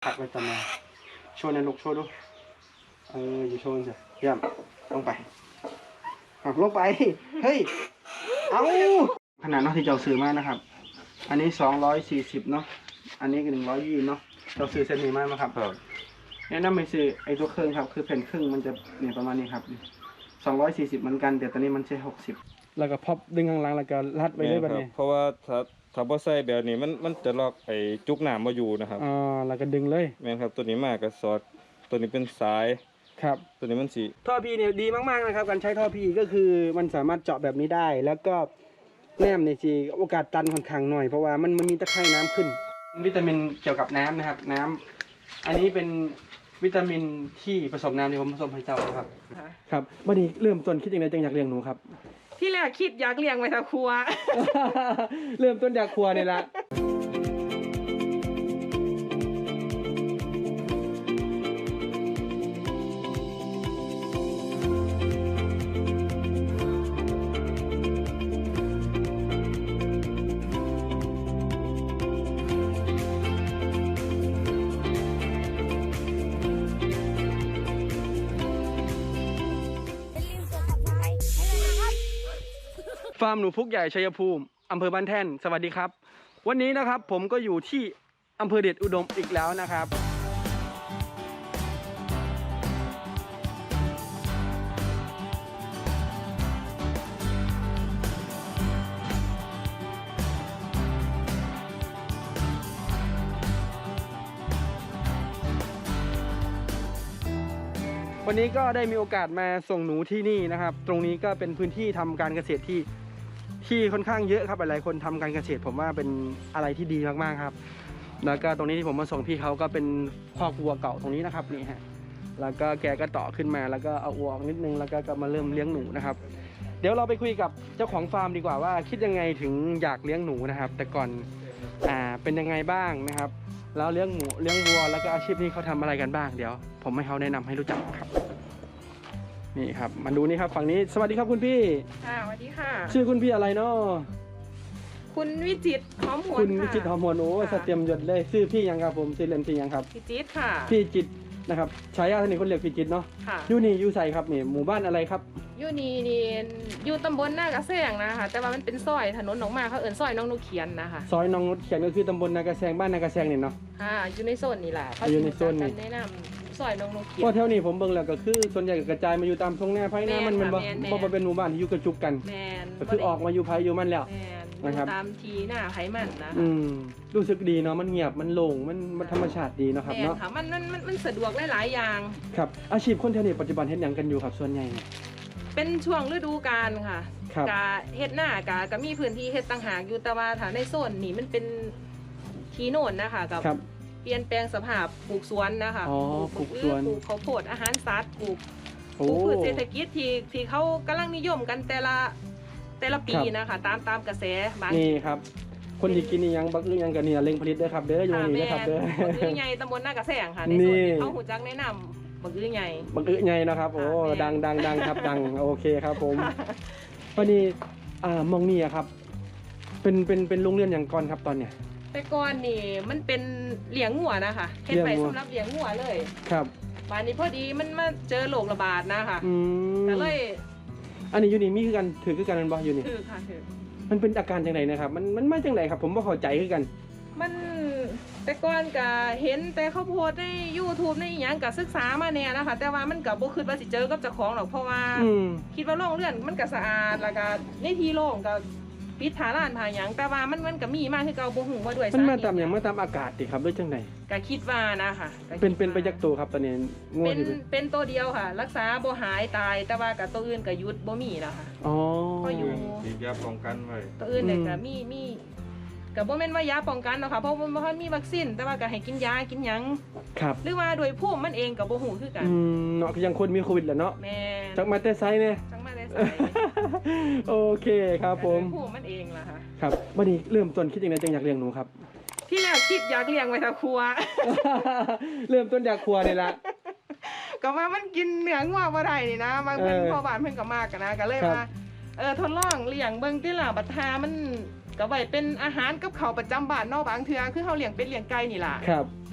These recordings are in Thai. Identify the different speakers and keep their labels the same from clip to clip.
Speaker 1: ผักไปตำมาโชว์ในลูกโชว์ดูอยู่โชว์สิเยี่ยมลงไปหักลงไปเฮ้ยเอาขนาดนอกที่เราซื้อมานะครับอันนี้240เนาะอันนี้ก็120เนาะเราซื้อเส้นนี้มาไหมครับแนะนำไปซื้อไอ้ตัวเครื่องครับคือแผ่นครึ่งมันจะเนี่ยประมาณนี้ครับ240เหมือนกันแต่ตอนนี้มันใช้60แล้วก็พับดึงข้างหลังแล้วก็รัดไปเลยแบบนี้
Speaker 2: เพราะว่าถ้าบ่ใส่แบบนี้มันจะล็อกไอ้จุกหนามมาอยู่นะครับ
Speaker 1: แล้วก็ดึงเลย
Speaker 2: แม่นครับตัวนี้มากก็สอดตัวนี้เป็นสาย
Speaker 1: ครับ
Speaker 2: ตัวนี้มันสี
Speaker 1: ท่อพีเนี่ยดีมากๆนะครับการใช้ท่อพีก็คือมันสามารถเจาะแบบนี้ได้แล้วก็แนมในจีโอกาสตันค่อนข้างหน่อยเพราะว่ามันมีตะไคร่น้ำขึ้นวิตามินเกี่ยวกับน้ำนะครับน้ำอันนี้เป็นวิตามินที่ผสมน้ำที่ผมผสมให้เจ้าครับครับวันนี้เริ่มต้นคิดยังไงจึงอยากเลี้ยงหนูครับ
Speaker 3: ที่แรกคิดอยากเลี้ยงไว้แต่ครัว
Speaker 1: เริ่มต้นอยากครัวนี่ละฟาร์มหนูพุกใหญ่ชัยภูมิอำเภอบ้านแท่นสวัสดีครับวันนี้นะครับผมก็อยู่ที่อำเภอเดชอุดมอีกแล้วนะครับวันนี้ก็ได้มีโอกาสมาส่งหนูที่นี่นะครับตรงนี้ก็เป็นพื้นที่ทำการเกษตรที่ค่อนข้างเยอะครับหลายคนทำการเกษตรผมว่าเป็นอะไรที่ดีมากๆครับแล้วก็ตรงนี้ที่ผมมาส่งพี่เขาก็เป็นคอกวัวเก่าตรงนี้นะครับนี่ฮะแล้วก็แกก็ต่อขึ้นมาแล้วก็เอาวัวออกนิดนึงแล้วก็มาเริ่มเลี้ยงหนูนะครับเดี๋ยวเราไปคุยกับเจ้าของฟาร์มดีกว่าว่าคิดยังไงถึงอยากเลี้ยงหนูนะครับแต่ก่อนเป็นยังไงบ้างนะครับแล้วเลี้ยงหมูเลี้ยงวัวแล้วก็อาชีพนี้เขาทำอะไรกันบ้างเดี๋ยวผมให้เขาแนะนำให้รู้จักครับนี่ครับมาดูนี่ครับฝั่งนี้สวัสดีครับคุณพี่
Speaker 3: สวัสดีค่ะ
Speaker 1: ชื่อคุณพี่อะไรเนาะ
Speaker 3: คุณวิจิตรหอมหวน
Speaker 1: คุณวิจิตรหอมหวนโอ้สเตรียมหยดเลยชื่อพี่ยังครับผมชื่อเล่นพี่ยังครับ
Speaker 3: พี่จิตรค่ะ
Speaker 1: พี่จิตรนะครับฉายาท่านนี้คนเรียกพี่จิตรเนาะอยู่นี่อยู่ใส่ครับนี่หมู่บ้านอะไรครับ
Speaker 3: อยู่นี่อยู่ตำบลหน้ากระแซงนะคะแต่ว่ามันเป็นซอยถนนออกมาเขาเอิ้นซอยน้องนุเขียนนะคะ
Speaker 1: ซอยน้องนุเขียนก็คือตำบลนากระแซงบ้านนากระแซงเนี่ยเนาะ
Speaker 3: อยู่ในโซนนี่แหละ
Speaker 1: อยู่ในโซนนี่
Speaker 3: แนะนำซอยน้องนุเขียน
Speaker 1: เพราะแถวนี้ผมเบิ่งแล้วก็คือส่วนใหญ่กระจายมาอยู่ตามทุ่งนาไผ่นามันบ่เป็นหมู่บ้านที่อยู่กระจุกกันก็คือออกมาอยู่ไผ่อยู่มันแล้ว
Speaker 3: นะครับตามทีหน้าไผ่มันนะ
Speaker 1: รู้สึกดีเนาะมันเงียบมันโล่งมันธรรมชาติดีเนาะครับเนาะ
Speaker 3: มันสะดวกหลายๆอย่าง
Speaker 1: ครับอาชีพคนแถวนี้ปัจจุบันเฮ็ดหยังกันอยู่ครับส่วนใหญ่
Speaker 3: เป็นช่วงฤดูกาลค่ะกะเฮ็ดหน้ากะก็มีพื้นที่เฮ็ดต่างหากอยู่แต่ว่าถ้าในโซนนี้มันเป็นที่โน่นนะคะกับเปลี่ยนแปลงสภาพปลูกสวนนะคะ
Speaker 1: ปลูกสวน
Speaker 3: ปลูกข้าวโพดอาหารสัตว์ปลูกพืชเศรษฐกิจที่เขากำลังนิยมกันแต่ละปีนะคะตามกระแสบาง
Speaker 1: นี่ครับคนที่กินนี่ยังบักอึยังกันเนี่ยเล็งผลิตเด้อครับเด้ออยู่นี่นะครับเด้อ
Speaker 3: บักอึใหญ่ตำบลหน้ากระแสค่ะในส่วนที่เขาหูจักแนะนำบักอึใหญ่
Speaker 1: นะครับโอ้ดังครับดังโอเคครับผมวันนี้มองนี่ครับเป็นโรงเรียนอย่างก่อนครับตอนเนี้ย
Speaker 3: แต่ก่อนนี่มันเป็นเลี้ยงงัวนะคะเฮ็ดไปสำหรับเลี้ยงงัวเลย
Speaker 1: ครับ
Speaker 3: ป่านนี้พอดีมันมาเจอโรคระบาดนะคะก็เลย
Speaker 1: อันนี้อยู่นี่มีคือกันถือคือกันมันบ่อยู่นี่
Speaker 3: ถือค่ะถือ
Speaker 1: มันเป็นอาการจังไดนะครับมันมาจังไดครับผมบ่เข้าใจคือกัน
Speaker 3: มันแต่ก่อนก็เห็นแต่เขาโพสใน YouTube ในอีหยังก็ศึกษามาแน่นะคะแต่ว่ามันก็บ่คิดว่าสิเจอกับเจ้าของหรอกเพราะว่าคิดว่าโรงเรือนมันก็สะอาดแล้วก็ในที่โล่งก็ปิดผาร้านผาหยังแต่ว่ามันก็มีมากคือเก่าบ่ฮู้ว่าด้วย
Speaker 1: มันมาตามหยังมาตามอากาศติครับหรือจังได
Speaker 3: ก็คิดว่านะคะ
Speaker 1: เป็นไปจักตัวครับตอนนี้
Speaker 3: งูเป็นตัวเดียวค่ะรักษาบ่หายตายแต่ว่ากับตัวอื่นก็หยุดบ่มีแล้วค่ะ
Speaker 1: ก็
Speaker 3: อยู่
Speaker 2: ฉีดยาป้องกันไว้
Speaker 3: ตัวอื่นเนี่ยก็มีก็บ่แม่นว่ายาป้องกันเนาะค่ะเพราะมันบ่ทันมีวัคซีนแต่ว่าก็ให้กินยากินหยัง
Speaker 1: ครับ
Speaker 3: หรือว่าโดยภูมิมันเองก็บ่ฮู้คือกัน
Speaker 1: เนาะยังคนมีโควิดแหละเนาะ
Speaker 3: แม่
Speaker 1: จักมาแต่ไสเนี่ย
Speaker 3: จักมาแต่ไส
Speaker 1: โอเคครับผม
Speaker 3: ภูมิมันเองล่ะค่ะ
Speaker 1: ครับวันนี้เริ่มต้นคิดยังไงจึงอยากเลี้ยงหนูครับ
Speaker 3: ที่แรกคิดอยากเลี้ยงไว้แต่ครัว
Speaker 1: เริ่มต้นอยากครัวนี่ละ
Speaker 3: ก็ว่ามันกินเนื้องัวบ่ได้นี่นะบางเพิ่นพ่อบ้านเพิ่นก็มากกันนะก็เลยว่าทดลองเลี้ยงเบิ่งติล่ะบัดหามันก็ไว้เป็นอาหารกับข้าวประจำบ้านเนาะบางเทื่อคือเฮาเลี้ยงเป็ดเลี้ยงไก่นี่ล่ะ
Speaker 1: ครับ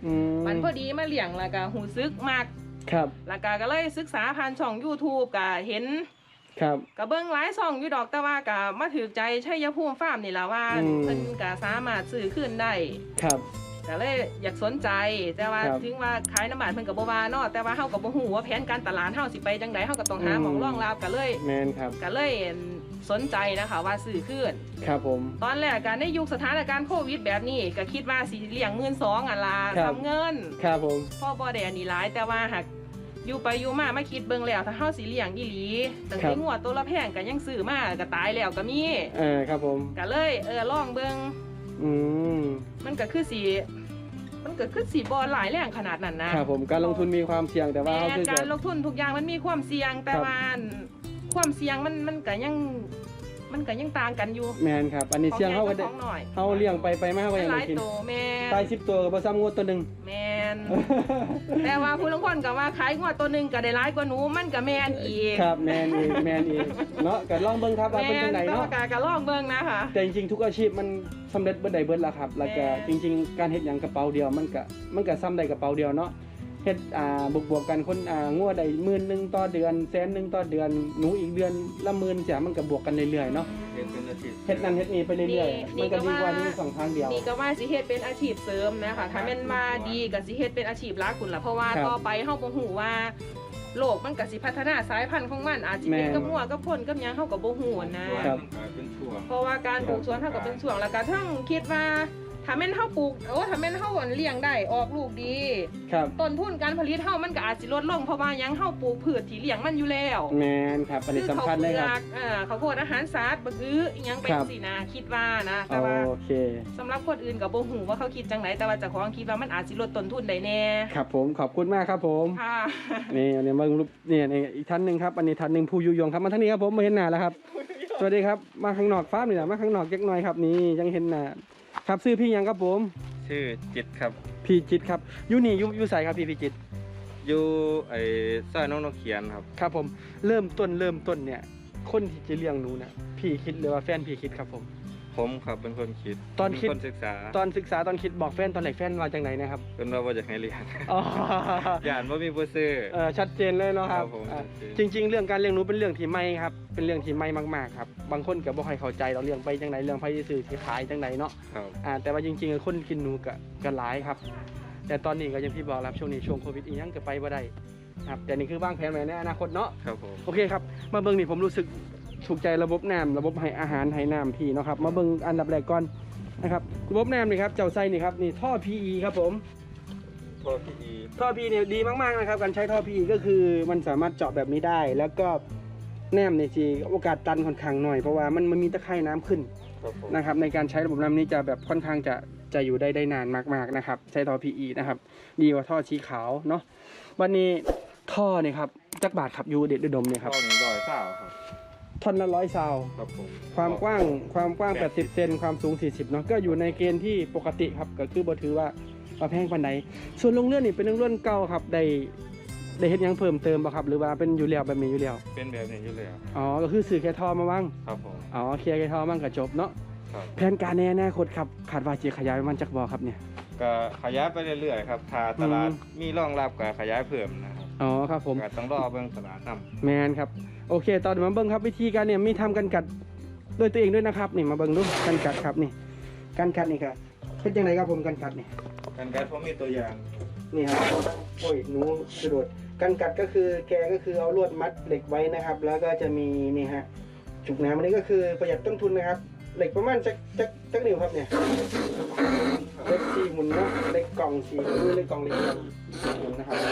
Speaker 3: มันพอดีมาเลี้ยงแล้วก็หูซึกมาก
Speaker 1: ครับ
Speaker 3: แล้วก็เลยศึกษาผ่านช่อง YouTube ก็เห็น
Speaker 1: ครับ
Speaker 3: ก็เบิ่งหลายช่องอยู่ดอกแต่ว่าก็มาถูกใจชัยภูมิฟาร์มนี่ล่ะว่าเพิ่นก็สามารถซื้อคืนได้
Speaker 1: ครับ
Speaker 3: ก็เลยอยากสนใจแต่ว่า
Speaker 1: ครับ
Speaker 3: ถึงว่าขายน้ำมันเพิ่นก็บ่ว่าเนาะแต่ว่าเฮาก็บ่ฮู้ว่าแผนการตลาดเฮาสิไปจังไดเฮาก็ต้องหาหม่องรองรับก็เลย
Speaker 1: แมนครับ
Speaker 3: สนใจนะคะว่าซื้อคืน
Speaker 1: ครับผม
Speaker 3: ตอนแรกการในยุคสถานการณ์โควิดแบบนี้ก็คิดว่าสิเลี้ยง12,000อ่ะล่ะ
Speaker 1: ครับ
Speaker 3: ทำเงิน
Speaker 1: ครับผม
Speaker 3: พ่อบ่ได้อันนี้หลายแต่ว่าหากอยู่ไปอยู่มาคิดเบิ่งแล้วถ้าเฮาสิเลี้ยงอีหลีตั้ง
Speaker 1: ครั
Speaker 3: แต่
Speaker 1: บ
Speaker 3: งัวตัวละแพงก็ยังซื้อมาก็ตายแล้วก็มี
Speaker 1: ครับผม
Speaker 3: ก็เลยลองเบิ่ง
Speaker 1: อืม
Speaker 3: มันก็คือสิบ่หลายแรงขนาดนั้นนะครับ
Speaker 1: ผมการลงทุนมีความเสี่ยงแต่ว่า
Speaker 3: แม่
Speaker 1: เขาคือ
Speaker 3: การ
Speaker 1: จะ
Speaker 3: ลงทุนทุกอย่างมันมีความเสี่ยงแต่
Speaker 1: ครับ
Speaker 3: ว่าความเสี่ยงมันก็ยังต่างกันอยู่
Speaker 1: แมนครับ อันนี้เสี่ยงเขาก็ได้
Speaker 3: ของน้อย
Speaker 1: เขาเลี้ยงไปมาเขาก็ยัง
Speaker 3: ห
Speaker 1: ได้
Speaker 3: ลาย
Speaker 1: กิน
Speaker 3: โตแม่
Speaker 1: ตาย10 ตัวกับซ้ำงวดตัวหนึ่ง
Speaker 3: แมน แต่ว่าผู้ลางคนก็ว่าขายงวดตัวหนึงก็ได้หลายกว่าหนูมันก็แมนอีก
Speaker 1: ครับแมนอีกแมนอีกเนาะก็ลองเบิ่งครับว่า
Speaker 3: แม
Speaker 1: เป็นจั
Speaker 3: น
Speaker 1: งได
Speaker 3: แต่
Speaker 1: เนาะ
Speaker 3: ว่าก็ลองเบิ่งนะคะ
Speaker 1: แต่จริงๆทุกอาชีพมันสำเร็จเบิดใดเบิดละครับ แล้วก็
Speaker 3: แม่
Speaker 1: จริง ๆ การเฮ็ดหยังกระเป๋าเดียวมันก็ซ้ำได้กระเป๋าเดียวเนาะเฮ็ดบวกกันคนงัวได้10,000ต่อเดือน100,000ต่อเดือนหนูอีกเดือนละ10,000จ้ะมันก็บวกกันเรื่อยๆเนาะ
Speaker 2: เฮ็ดเป็นอาชีพ
Speaker 1: เฮ็ดนั่นเฮ็ดนี่ไปเรื่อยๆมันก็ดีกว่าที่สองทางเดียว
Speaker 3: นี่ก็ว่าสิเฮ็ดเป็นอาชีพเสริมนะคะถ้าแม่นว่าดีก็สิเฮ็ดเป็นอาชีพหลักคุณล่ะเพราะว่า
Speaker 1: ครับ
Speaker 3: ต่อไปเฮาบ่ฮู้ว่าโลกมันก็สิพัฒนาสายพันธุ์ของมันอาจสิเป็น
Speaker 1: แม่น
Speaker 3: กับหัวกับพ่นกับหยังเฮาก็บ่ฮู้นะ
Speaker 1: ครับ
Speaker 2: มันก็เป็นช่วง
Speaker 3: เพราะว่าการปลูกสวนเท่ากับเป็นช่วงแล้วก็ทั้งคิดว่าถ้าแม่นเฮาปลูกถ้าแม่นเฮาเลี้ยงได้ออกลูกดี
Speaker 1: ครับ
Speaker 3: ต้นทุนการผลิตเฮามันก็อาจสิลดลงเพราะว่าหยังเฮาปลูกพืชที่เลี้ยงมันอยู่แล้ว
Speaker 1: แมนครับอันนี้สำคัญเลยครับ
Speaker 3: ข้าวโพดอาหารสัตว์บะกืออิหยังเป็น
Speaker 1: ครับ
Speaker 3: สินะคิดว่านะแต่ว่า
Speaker 1: โอเค
Speaker 3: สำหรับคนอื่นก็บ่ฮู้ว่าเขาคิดจังไหนแต่ว่าเจ้าของคิดว่ามันอาจสิลดต้นทุนได้แน่
Speaker 1: ครับผมขอบคุณมากครับผม
Speaker 3: ค่ะ
Speaker 1: นี่อันนี้มารูปนี่อีกท่านหนึ่งครับอันนี้ท่านหนึ่งผู้ยุยงครับมาทางนี้ครับผมมาเห็นหน้าแล้วครับสวัสดีครับมาข้างนอกฟ้าร์มนี่แหละมาข้างนอกเล็กน้อยครับนี่ยังเห็นหน้าครับชื่อพี่ยังครับผม
Speaker 2: ชื่อจิตครับ
Speaker 1: พี่จิตครับอยู่นี่อยู่ใส่ครับพี่จิต
Speaker 2: อยู่ไอ้ซอยน้องนกเขียนครับ
Speaker 1: ครับผมเริ่มต้นเนี่ยคนที่จะเลี้ยงหนูเนี่ยพี่คิดหรือว่าแฟนพี่คิดครับผม
Speaker 2: ผมครับเป็นคนคิด
Speaker 1: ตอนคิด
Speaker 2: เป็นคนศึกษา
Speaker 1: ตอนศึกษาตอนคิดบอกแฟนตอนไหนแฟนว่าจังไหนนะครับ
Speaker 2: เป็นว่าบ่อยากให้เรียน
Speaker 1: อ๋อ
Speaker 2: ย่านว่ามีผู้ซื้อ
Speaker 1: ชัดเจนเลยเนาะครับ
Speaker 2: ครับผม
Speaker 1: อ่า
Speaker 2: ชัดเจน
Speaker 1: จริง ๆ เรื่องการเลี้ยงหนูเป็นเรื่องที่ไม่ครับเป็นเรื่องที่ไม่มากๆครับบางคนก็บ่ค่อยเข้าใจเราเลี้ยงไปจังไหนเรื่องไผซื้อที่ขายจังไหนเนาะ
Speaker 2: ครับ
Speaker 1: แต่ว่าจริงๆคนกินหนูก็หลายครับ แต่ตอนนี้ก็อย่างที่บอกครับช่วงนี้ช่วงโควิดอีกยังก็ไปบ่ได้ครับแต่นี่คือวางแผนไว้ในอนาคตเนาะ
Speaker 2: ครับผม
Speaker 1: โอเคครับมาเบิ่งนี่ผมรู้สึกถูกใจระบบน้ำระบบให้อาหารให้น้ำพี่เนาะครับมาเบิ่งอันดับแรกก่อนนะครับระบบน้ำนี่ครับเจ้าไส้นี่ครับนี่ท่อ PE ครับผม
Speaker 2: พอพี่อี
Speaker 1: ท่อ PE เนี่ยดีมากๆนะครับการใช้ท่อ PE ก็คือมันสามารถเจาะแบบนี้ได้ แล้วก็น้ำเนี่ยสิโอกาสตันค่อนข้างหน่อยเพราะว่ามันมีตะไคร่น้ำขึ้น
Speaker 2: ครับผม
Speaker 1: นะครับในการใช้ระบบน้ำนี้จะแบบค่อนข้างจะอยู่ได้นานมากๆนะครับใช้ท่อ PE นะครับดีกว่าท่อสีขาวเนาะวันนี้ท่อเนี่ยครับจักบาทครับยูเด็ดอุดมเนี่ยครับ
Speaker 2: ข้อนี้100เศร้าครับ
Speaker 1: ท่อนละ100 ซาว
Speaker 2: ครับผม
Speaker 1: ความกว้าง80 เซนความสูง40เนาะก็อยู่ในเกณฑ์ที่ปกติครับก็คือบ่ถือว่าแพงปานใดส่วนโรงเรือนนี่เป็นโรงเรือนเก่าครับได้เฮ็ดหยังเพิ่มเติมบ่ครับหรือว่าเป็นอยู่แล้วแบบนี้อยู่แล้ว
Speaker 2: เป็นแบบนี้อยู่แล้ว
Speaker 1: อ๋อก็คือซื้อแค่ท่อมาวาง
Speaker 2: ครับผม
Speaker 1: อ๋อเคลียร์แค่ท่อมั่งก็จบเนาะ
Speaker 2: ครับ
Speaker 1: แผนการในอนาคตครับคาดว่าจะขยายมันจักบ่ครับเนี่ย
Speaker 2: ก็ขยายไปเรื่อยๆครับถ้าตลาดมีรองรับก็ขยายเพิ่มนะครับ
Speaker 1: อ๋อครับผม
Speaker 2: ก็ต้องรอเบิ่งตลาดนำ
Speaker 1: แมนครับโอเคตอนมาเบิ่งครับวิธีการเนี่ยมีทำกันกัดด้วยตัวเองด้วยนะครับนี่มาเบิ่งดูกันกัดครับนี่กันกัดนี่ครับเป็นยังไงครับผมกันกัดนี่
Speaker 2: กันการผมมีตัวอย่าง
Speaker 1: นี่ครับโอ้ยหนูกระโดดกันกัดก็คือแกก็คือเอาลวดมัดเหล็กไว้นะครับ แล้วก็จะมีนี่ฮะจุกน้ำอันนี้ก็คือประหยัดต้นทุนนะครับ เหล็กประมาณจักนิ้วครับเนี่ยเหล็ก4 หมุนเนาะเหล็กกล่อง4 หมุนเหล็กกล่องเหล็กหมุนนะครับ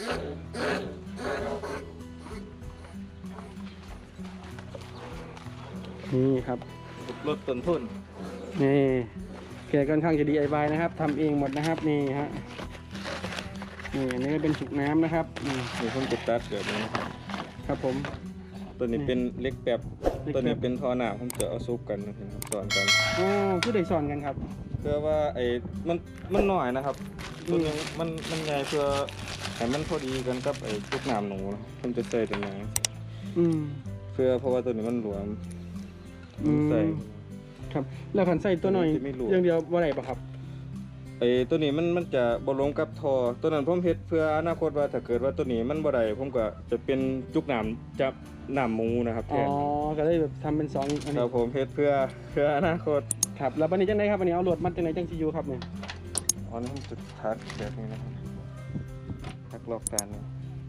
Speaker 1: นี่ครับ
Speaker 2: ลดต้นทุน
Speaker 1: นี่แกค่อนข้างจะ DIY นะครับทำเองหมดนะครับนี่ฮะนี่อันนี้ก็เป็นจุกน้ำนะครับนี่
Speaker 2: มีคนติดตัดแบบนี้นะครับ
Speaker 1: ครับผม
Speaker 2: ตัวนี้เป็นเล็กแบบ
Speaker 1: เล็กแบบ
Speaker 2: ตัวนี้เป็นท่อหนาผมจะเอาซุปกันนะครับสอนกัน
Speaker 1: อ๋อผู้ใดสอนกันครับ
Speaker 2: เพื่อว่าไอ้มันหน่อยนะครับตัวนึงมันใหญ่เพื่อให้มันพอดีกันกับไอ้พวกน้ำหนูนะผมจะใส่ตัวนี้
Speaker 1: อืม
Speaker 2: เพื่อเพราะว่าตัวนี้มันหลวม
Speaker 1: อืม
Speaker 2: ใส่
Speaker 1: ครับแล้วขันใส่ตัวหน่อย
Speaker 2: จะไม่หลวม
Speaker 1: อย่างเดียวว่าไรปะครับ
Speaker 2: ตัวนี้มันจะบ่ลงกับท่อตัวนั้นผมเฮ็ดเพื่ออนาคตว่าถ้าเกิดว่าตัวนี้มันบ่ได้ผมก็จะเป็นจุกน้ำจับน้ำหมูนะครับแท
Speaker 1: อ๋อน ก็เลยแบบทำเป็น2อัน
Speaker 2: ค
Speaker 1: นี้
Speaker 2: รับผมเฮ็ดเพื่ออนาคต
Speaker 1: ครับแล้ววันนี้จังไดครับวันนี้เอาลวดมัดจังไดจังสิอยู่ครับเนี่ย
Speaker 2: อ๋อนี่ผมจุดทักแบบนี้นะครับทักรอบการนะ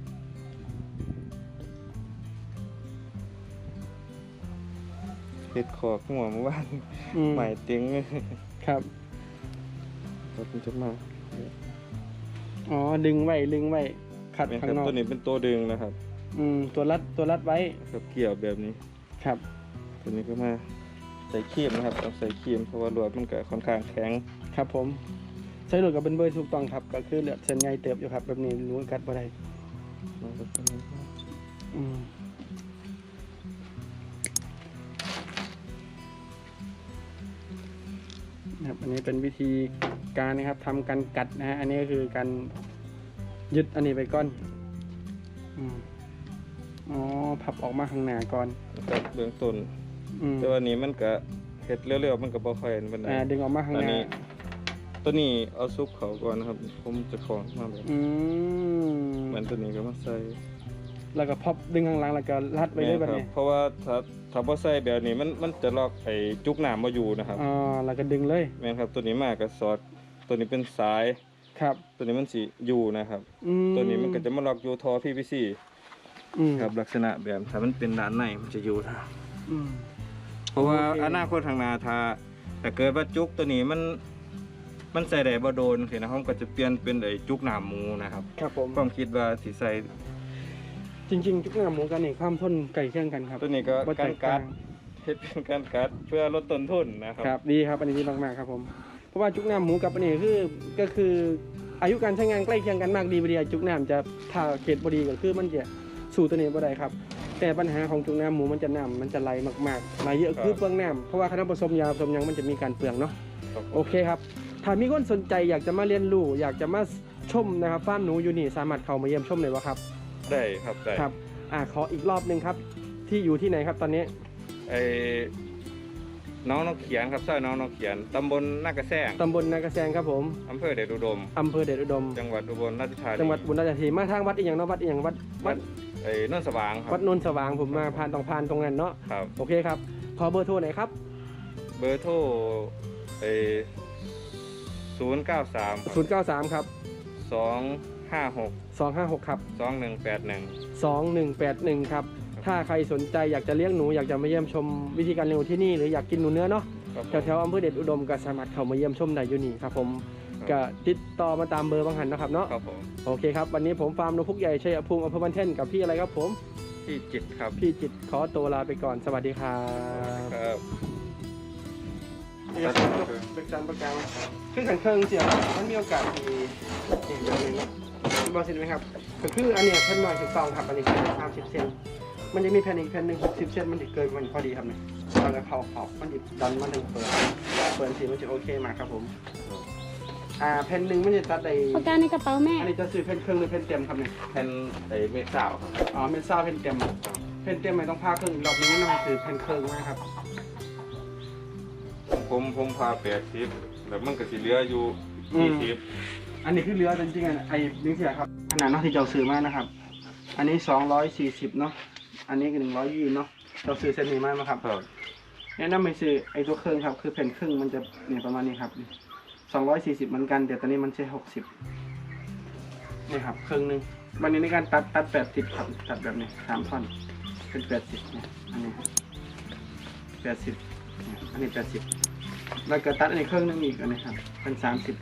Speaker 2: เฮ็ดขอกหัวเมื่อวาน ใหม่เต็ง
Speaker 1: ครับ
Speaker 2: ครับผมจะมา
Speaker 1: อ๋อดึงไว้ขัด
Speaker 2: เป็นค
Speaker 1: ข้า
Speaker 2: รับ
Speaker 1: งนอก
Speaker 2: ตัวนี้เป็นตัวดึงนะครับ
Speaker 1: ตัวรัดไว้
Speaker 2: กับเกี่ยวแบบนี้
Speaker 1: ครับ
Speaker 2: ตัวนี้ก็มาใส่ครีมนะครับต้องใส่ครีมเพราะว่าลวดมันก็ค่อนข้างแข็ง
Speaker 1: ครับผมใช้ลวดกับเป็นเบอร์ถูกต้องครับก็คือเลือดเส้นใหญ่เติบอยู่ครับแบบนี้รู้กัดบ่ได้
Speaker 2: มันก็เป็น
Speaker 1: อืมนะครับอันนี้เป็นวิธีการนะครับทำการกัดนะฮะอันนี้ก็คือการยึดอันนี้ไปก่อนอืมอ๋อพับออกมาข้างหน้าก่อน
Speaker 2: ครับเบื้องต้น
Speaker 1: อืม
Speaker 2: แต่ว่านี้มันก็เฮ็ดเร็วๆมันก็บ่ค่อยปานใด
Speaker 1: ดึงออกมาข้างหน้า
Speaker 2: ตัวนี้เอาซุปเขาก่อนนะครับผมจะขอมาแบบ
Speaker 1: อืม
Speaker 2: เหมือนตัวนี้ก็มาใส่
Speaker 1: แล้วก็พับดึงข้างหลังแล้วก็รัดไว้เลยแบบ
Speaker 2: ครั
Speaker 1: นี้
Speaker 2: เพราะว่าถ้าบ่ใส่แบบนี้มันจะล็อกไอ้จุกน้ำบ่อยู่นะครับ
Speaker 1: อ๋อแล้วก็ดึงเลย
Speaker 2: แม่นครับตัวนี้มาก็สอดตัวนี้เป็นสาย
Speaker 1: ครับ
Speaker 2: ตัวนี้มันสิอยู่นะครับ ตัวนี้มันก็จะมาล็อกอยู่ท่อ PVC
Speaker 1: อืม
Speaker 2: ครับลักษณะแบบถ้ามันเป็นด้านในมันจะอยู่นะ
Speaker 1: อืม
Speaker 2: เพราะว่า
Speaker 1: โอเค
Speaker 2: อนาคตข้างหน้าถ้าเกิดว่าจุกตัวนี้มันใส่ได้บ่โดนสินะผมก็จะเปลี่ยนเป็นไอ้จุกหน้าหมูนะครับ
Speaker 1: ครับผม
Speaker 2: ความคิดว่าสิใส่
Speaker 1: จริงๆจุกหน้าหมูกันนี่ความทนไก่เคียงกันครับ
Speaker 2: ตัวนี้ก็
Speaker 1: บ่แต
Speaker 2: การ
Speaker 1: ก
Speaker 2: กั
Speaker 1: ต่า
Speaker 2: ด
Speaker 1: ง
Speaker 2: เฮ็ดเป็นการกัดเพื่อลดต้นทุนนะครับ
Speaker 1: ครับดีครับอันนี้ดีมากๆครับผมเพราะว่าจุกหน้าหมูกับอันนี้ก็คืออายุการใช้งานใกล้เคียงกันมากดีบดีจุกหน้าจะถ้าเขตบดีก็คือมันจะสู่ตัวนี้บ่ได้ครับแต่ปัญหาของจุกหน้าหมูมันจะน้ำมันจะไหลมากๆไหลเยอะคือเปลืองน้ำเพราะว่าคณะผสมยาผสมหยังมันจะมีการเปลืองเนาะ
Speaker 2: ครับ
Speaker 1: โอเคครับถ้ามีคนสนใจอยากจะมาเรียนรู้อยากจะมาชมนะครับฟาร์มหนูอยู่นี่สามารถเข้ามาเยี่ยมชมเลยวะครับ
Speaker 2: ได้ครับได้
Speaker 1: ครับขออีกรอบหนึ่งครับที่อยู่ที่ไหนครับตอนนี้
Speaker 2: ไอ้น้องเขียนครับซอยน้องเขียนตำบลนากระแซง
Speaker 1: ตำบลนากระแซงครับผม
Speaker 2: อำเภอเดชอุดม
Speaker 1: อำเภอเดชอุดม
Speaker 2: จังหวัดอุบลราชธานี
Speaker 1: จังหวัดบุรีรัมย์มาทางวัดอีกอย่างเนาะวัดอีกอย่างวัด
Speaker 2: ไอ้นนท์สว่างครับ
Speaker 1: วัดนนท์สว่างผมมาผ่านตรงนั้นเนาะ
Speaker 2: ครับ
Speaker 1: โอเคครับขอเบอร์โทรหน่อยครับ
Speaker 2: เบอร์โทรไอ้093
Speaker 1: 093ครับ
Speaker 2: 256
Speaker 1: 256ครับ
Speaker 2: 2181
Speaker 1: 2181ครับถ้าใครสนใจอยากจะเลี้ยงหนูอยากจะมาเยี่ยมชมวิธีการเลี้ยงหนูที่นี่หรืออยากกินหนูเนื้อเนาะ
Speaker 2: ครับ
Speaker 1: แถวๆอำเภอเดชอุดมก็สามารถเข้ามาเยี่ยมชมได้อยู่นี่ครับผมก็ติดต่อมาตามเบอร์บางหันนะครับเนาะ
Speaker 2: ครับผม
Speaker 1: โอเคครับวันนี้ผมฟาร์มนกพุกใหญ่ชัยภูมิอำเภอบ้านเท่นกับพี่อะไรครับผม
Speaker 2: ที่จิตครับ
Speaker 1: พี่จิตขอตัวลาไปก่อนสวัสดีครับ
Speaker 2: ครับ
Speaker 1: เป็นการประกันคือขันเครื่องเสียมันมีโอกาสที่อย่างนี้บอกสิไหมครับก็คืออันเนี้ยแผ่นหน่อยถูกต้องครับอันนี้คือ30 เซนมันจะมีแผ่นอีกแผ่นหนึ่ง60 เซนมันจะเกินมันพอดีครับเนี่ยเราจะเข้าขอบมันจะดันมันถึงเปิดสีมันจะโอเคมากครับผมแผ่นหนึ่งมันจะตัดได้
Speaker 4: ปากกาในกระเป๋าแม่
Speaker 1: อันนี้จะซื้อแผ่นเครื่องหรือแผ่นเต็มครับเนี่ย
Speaker 2: แผ่นไอ้เมฆสาวครับ
Speaker 1: อ๋อแผ่นซ่าแผ่นเต็มแผ่นเต็มไม่ต้องพาเครื่องอีกรอบนึงนั่นมันคือแผ่นเครื่องนะครับ
Speaker 2: ผมพา80แล้วมันก็สิเหลืออยู่40
Speaker 1: อันนี้คือเรือจริงๆไอ้ลิงเสียครับขนาดเนาะที่เราซื้อมานะครับ อันนี้240เนาะอันนี้คือ120เนาะเราซื้อเส้นนี้มาไหมครับ
Speaker 2: ครับ
Speaker 1: แนะนำให้ซื้อไอ้ตัวเครื่องครับคือแผ่นครึ่งมันจะเนี่ยประมาณนี้ครับ240เหมือนกันแต่ตอนนี้มันใช้60นี่ครับเครื่องหนึงวันนี้ในการตัด80ครับตัดแบบนี้3ท่อนเป็น80เนี่ยอันนี้80เนี่ยอันนี้80แล้วก็ตัดอันนี้เครื่องหนึงอีกอันนี้ครับเป็น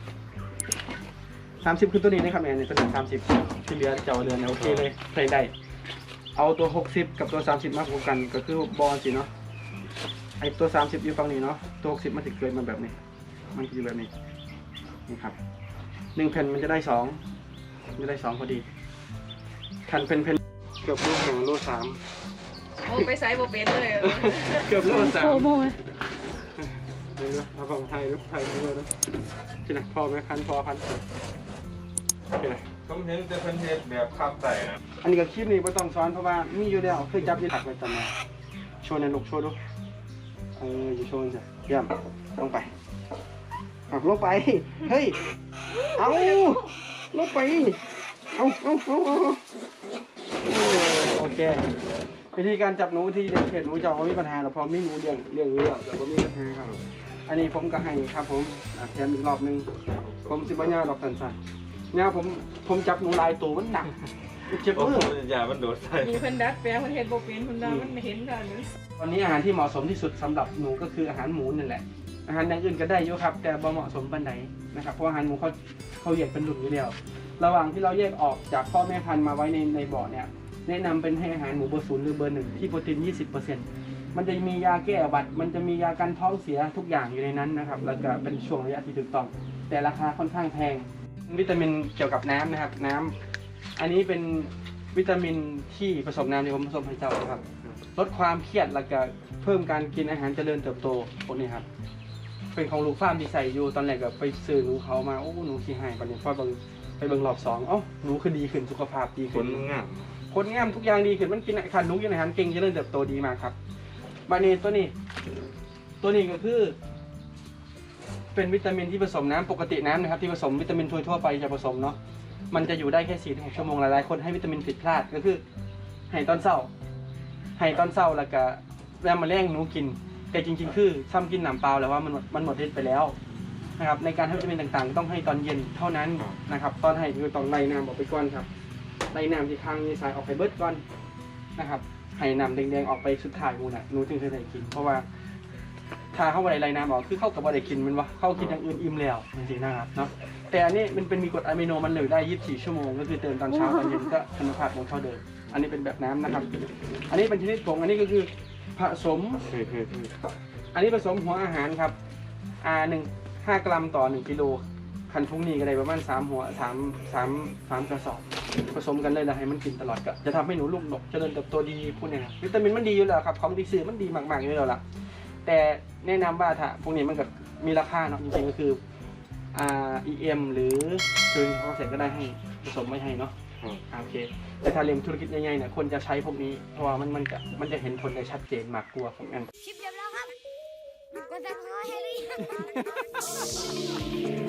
Speaker 1: 30คือตัวนี้นะครับเนี่ยตัวนี้30ที่เหลือเจ้าเรือนโอเคเลยใส่ได้เอาตัว60กับตัว30มาบวกกันก็คือบอลสิเนาะไอตัว30อยู่ฝั่งนี้เนาะตัว60มันจะเกิดมาแบบนี้มันจะอยู่แบบนี้นี่ครับ1แผ่นมันจะได้2จะได้2พอดีคันเป็นเกือบโล2โล3
Speaker 3: โอ้ไปไซส์โบเป็นเลย
Speaker 1: เกือบโล
Speaker 4: โอ้โห
Speaker 1: 3เดี๋ยวนะเอาของไทยด้วยนะที่ไหนพอไหมคันพอคันโอเค
Speaker 2: ผมเห็นแต่เพิ่นเฮ็ดแบบพับใส่นะ
Speaker 1: อันนี้ก็คลิปนี้ไม่ต้องสอนเพราะว่ามีอยู่แล้วเคยจับอยี่ตักไปจำมาโชว์ในลูกโชว์ดูอยู่โชว์จ้ะเยี่ยมลงไปลงไปเฮ้ยเอาลงไปเอาโอเควิธีการจับหนูที่เด็กเขตหนูจะไม่มีปัญหาหรอกพอไม่หนูเลี้ยงเรื่องแต่ว่ามีปัญหาครับอันนี้ผมก็ให้ครับผมแถมอีกรอบนึงผมสิบวันยาดอกสันๆเนี่ยผมจับหนูลายตัวมันหนักเจ็บ
Speaker 2: โอ้
Speaker 1: มื
Speaker 2: โห
Speaker 1: อ
Speaker 2: อย่ามันโดดใส่
Speaker 3: มีเพิ่นดัดแปลงเพิ่นเฮ็ดบ่เป็นเพิ่นว่ามันเห็นกัน
Speaker 1: วันนี้อาหารที่เหมาะสมที่สุดสำหรับหนูก็คืออาหารหมูนั่นแหละอาหารอย่างอื่นก็ได้อยู่ครับแต่บ่เหมาะสมปานใดนะครับเพราะอาหารหมูเขาแยกเป็นหลุมอยู่แล้วระหว่างที่เราแยกออกจากพ่อแม่พันธุ์มาไว้ในบ่อเนี่ยแนะนำเป็นให้อาหารหมูเบอร์ 0หรือเบอร์ 1ที่โปรตีน 20%มันจะมียาแก้อุบัติมันจะมียากันท้องเสียทุกอย่างอยู่ในนั้นนะครับแล้วก็เป็นช่วงระยะที่ถูกต้องแต่ราคาค่อนข้างแพงวิตามินเกี่ยวกับน้ำนะครับน้ำอันนี้เป็นวิตามินที่ผสมน้ำที่ผมผสมให้เจ้าครับลดความเครียดแล้วก็เพิ่มการกินอาหารเจริญเติบโตพวกนี้ครับเป็นของลูกฟาร์มที่ใส่อยู่ตอนแรกก็ไปซื้อหนูเขามาโอ้หนูขี้หายปะเนี่ยพอไปเบิ่งรอบ2เอ้าหนูคือดีขึ้นสุขภาพดี
Speaker 2: ข
Speaker 1: ขึ้
Speaker 2: น
Speaker 1: น
Speaker 2: งาม
Speaker 1: คนงามทุกอย่างดีขึ้นมันกินอาหารหนูกินอาหารเก่งเจริญเติบโตดีมากครับบาเนตัวนี้ก็คือ เป็นวิตามินที่ผสมน้ำปกติน้ำนะครับที่ผสมวิตามินทั่วไปจะผสมเนาะมันจะอยู่ได้แค่ 4-6 ชั่วโมงหลายๆคนให้วิตามินผิดพลาดก็คือให้ตอนเช้าแล้วก็แล้วมาแล้งหนูกินแต่จริงๆคือซ้ำกินน้ำเปล่าแล้วว่ามันหมดฤทธิ์ไปแล้วนะครับในการให้วิตามินต่างๆต้องให้ตอนเย็นเท่านั้นนะครับตอนให้คือต้องไล่น้ำออกไปก่อนครับไล่น้ำที่ข้างมีสายออกไปเบิดก่อนนะครับให้น้ำแดงๆออกไปสุดท้ายหนูจึงจะได้กินเพราะว่าถ้าเข้าไปไล่น้ำออกคือเข้ากับว่าได้กินมันวะเข้ากินอย่างอื่นอิ่มแล้วจริงๆนะครับเนาะแต่อันนี้มันเป็นมีกรดอะมิโนมันเหลือได้24 ชั่วโมงก็คือเติมตอนเช้าตอนเย็นก็คุณภาพของเท่าเดิมอันนี้เป็นแบบน้ำนะครับอันนี้เป็นชนิดผงอันนี้ก็คือผสม อันนี้ผสมหัวอาหารครับ5 กรัมต่อ 1 กิโลคันทุงนี้ก็ได้ประมาณ3 หัว3 กระสอบผสมกันเลยแล้วให้มันกินตลอดก็จะทำให้หนูลูกดกเจริญเติบโตดีพวกนี้ครับวิตามินมันดีอยู่แล้วครับของดีสื่อมันดีมากๆอยู่แล้วล่ะแต่แนะนำว่าถ้าพวกนี้มันก็มีราคาเนาะจริงๆก็คือEM หรือซื้อเขาเสร็จก็ได้ให้ผสมไม่ให้เนาะโอเคแต่ถ้าเรียนธุรกิจใหญ่ๆเนี่ยคนจะใช้พวกนี้เพราะว่ามันจะเห็นผลได้ชัดเจนมากกว่าของอัน
Speaker 4: คลิปจบแล้วครับกดซับสไครต์ให้หรือยัง